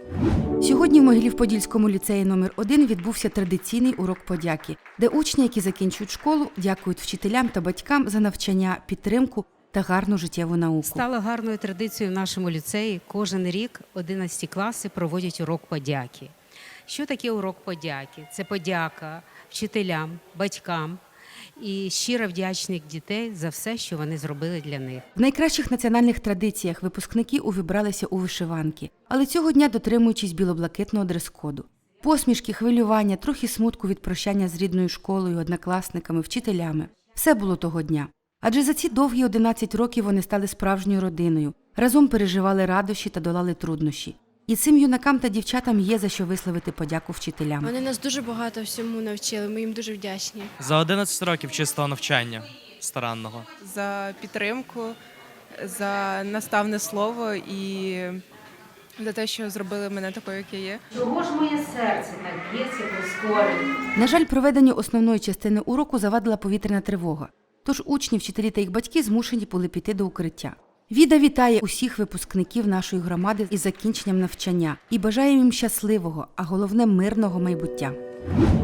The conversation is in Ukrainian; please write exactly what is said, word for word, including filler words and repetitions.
Сьогодні в Могилів-Подільському ліцеї номер один відбувся традиційний урок подяки, де учні, які закінчують школу, дякують вчителям та батькам за навчання, підтримку та гарну життєву науку. Стало гарною традицією в нашому ліцеї. Кожен рік одинадцяті класи проводять урок подяки. Що таке урок подяки? Це подяка вчителям, батькам і щира вдячність дітей за все, що вони зробили для них. В найкращих національних традиціях випускники увібралися у вишиванки, але цього дня дотримуючись білоблакитного дрес-коду. Посмішки, хвилювання, трохи смутку від прощання з рідною школою, однокласниками, вчителями – все було того дня. Адже за ці довгі одинадцять років вони стали справжньою родиною, разом переживали радощі та долали труднощі. І цим юнакам та дівчатам є за що висловити подяку вчителям. Вони нас дуже багато всьому навчили, ми їм дуже вдячні. За одинадцять років чистого навчання старанного. За підтримку, за наставне слово і за те, що зробили мене такою, як я є. Чого ж моє серце так б'ється прискорено? На жаль, проведенню основної частини уроку завадила повітряна тривога. Тож учні, вчителі та їх батьки змушені були піти до укриття. Віда вітає усіх випускників нашої громади із закінченням навчання і бажає їм щасливого, а головне – мирного майбуття.